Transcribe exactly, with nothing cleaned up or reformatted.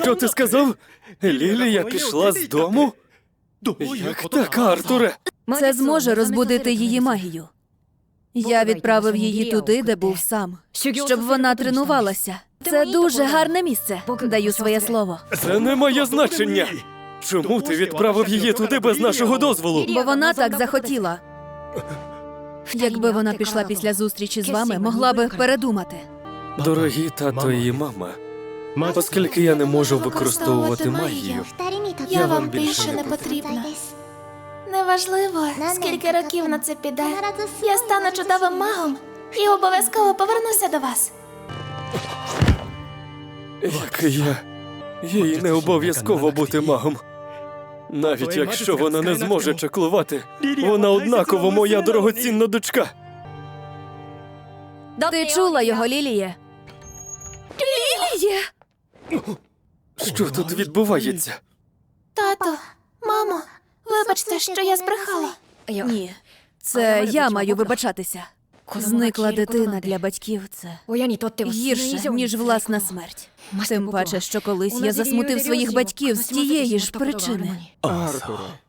Що ти сказав? Лілія пішла з дому? Як так, Артуре? Це зможе розбудити її магію. Я відправив її туди, де був сам, щоб вона тренувалася. Це дуже гарне місце, даю своє слово. Це не має значення. Чому ти відправив її туди без нашого дозволу? Бо вона так захотіла. Якби вона пішла після зустрічі з вами, могла би передумати. Дорогі тато і мама, оскільки я не можу використовувати магію, Я вам більше не потрібна. Неважливо, скільки років на це піде. Я стану чудовим магом і обов'язково повернуся до вас. як і я, їй не обов'язково бути магом. Навіть якщо вона не зможе чаклувати, вона однаково моя дорогоцінна дочка. Ти чула його, Ліліє? Ліліє! Що тут відбувається? Тато, мамо, вибачте, що я збрехала. Ні, це я маю вибачатися. Зникла дитина для батьків – це гірше, ніж власна смерть. Тим паче, що колись я засмутив своїх батьків з тієї ж причини. Артуре,